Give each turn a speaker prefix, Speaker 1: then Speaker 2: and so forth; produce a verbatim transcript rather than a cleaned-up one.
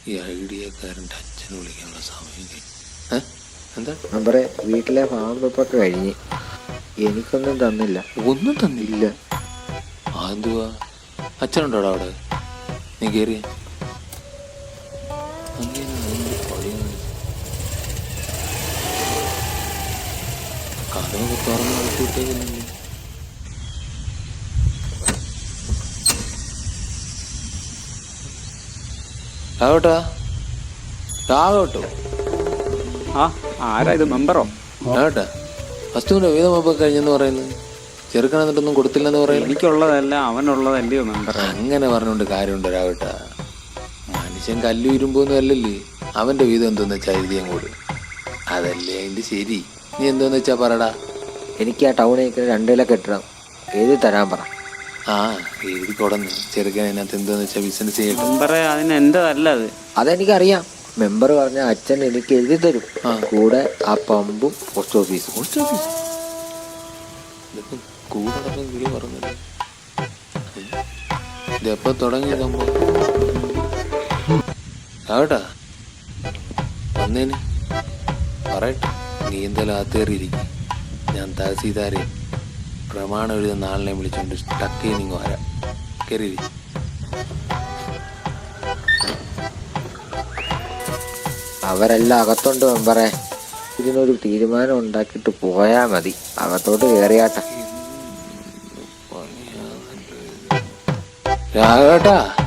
Speaker 1: ഈ ഐഡിയക്കാരൻ്റെ അച്ഛനെ വിളിക്കാനുള്ള സമയം കഴിഞ്ഞു. എന്താ
Speaker 2: മെമ്പറെ, വീട്ടിലെ ഫാം വെപ്പൊക്കെ കഴിഞ്ഞ് എനിക്കൊന്നും തന്നില്ല.
Speaker 1: ഒന്നും തന്നില്ല? അതെന്തുവാ? അച്ഛനുണ്ടോടാ അവിടെ? നീ കയറിയ കഥയൊക്കെ തുറന്ന് നടത്തിയിട്ടേക്കുന്നില്ല. രാവട്ടാ, രാവട്ടോ.
Speaker 3: ആ ആരാ ഇത്? മെമ്പറോ?
Speaker 1: രാവട്ടാ, വസ്തുവിന്റെ വീതമൊക്കെ കഴിഞ്ഞെന്ന് പറയുന്നത്, ചെറുക്കൻ എന്നിട്ടൊന്നും കൊടുത്തില്ലെന്ന് പറയുന്നത്.
Speaker 3: എനിക്കുള്ളതല്ല അവനുള്ളതല്ലയോ മെമ്പർ?
Speaker 1: അങ്ങനെ പറഞ്ഞുകൊണ്ട് കാര്യമുണ്ട് രാവട്ടാ. മനുഷ്യൻ കല്ലു ഇരുമ്പോന്നും അല്ലല്ലേ. അവന്റെ വീതം എന്തോന്ന് വെച്ചാൽ എഴുതിയും കൂട്, അതല്ലേ അതിന്റെ ശരി. നീ എന്തോന്ന് വെച്ചാ പറടാ.
Speaker 2: എനിക്ക് ആ ടൗണിലേക്ക് രണ്ട് കിലോ കെട്ടണം, എഴുതി തരാൻ പറ.
Speaker 1: ആ എഴുതി കൊടന്ന് ചെറുക്കൻ അതിനകത്ത് എന്തോന്ന് വെച്ചാൽ ബിസിനസ് ചെയ്യട്ടെ.
Speaker 3: മെമ്പറെ, അതിന് എന്റേതല്ല അത്.
Speaker 2: അതെനിക്കറിയാം. മെമ്പർ പറഞ്ഞ അച്ഛൻ എനിക്ക് എഴുതി തരും, കൂടെ ആ പമ്പും പോസ്റ്റ് ഓഫീസും.
Speaker 1: പോസ്റ്റ് ഓഫീസ് ഇതൊക്കെ കൂടൊക്കെ വിളി പറഞ്ഞത്. ഇതെപ്പോ തുടങ്ങി സംഭവം? ആവട്ടാ വന്നേന് പറയട്ടെ. നീ എന്തായാലും ആത്തേറിയിരിക്കും. ഞാൻ തഹസീൽദാരെ പ്രമാണം എഴുതുന്ന ആളിനെ വിളിച്ചോണ്ട് ടക്ക് നിങ്ങൾ വരാം. കയറി.
Speaker 2: അവരെല്ലാം അകത്തുണ്ട് മെമ്പറെ. ഇതിനൊരു തീരുമാനം ഉണ്ടാക്കിയിട്ട് പോയാ മതി. അകത്തോട്ട് കയറിയാട്ടെ.
Speaker 1: രാഘവേട്ടാ.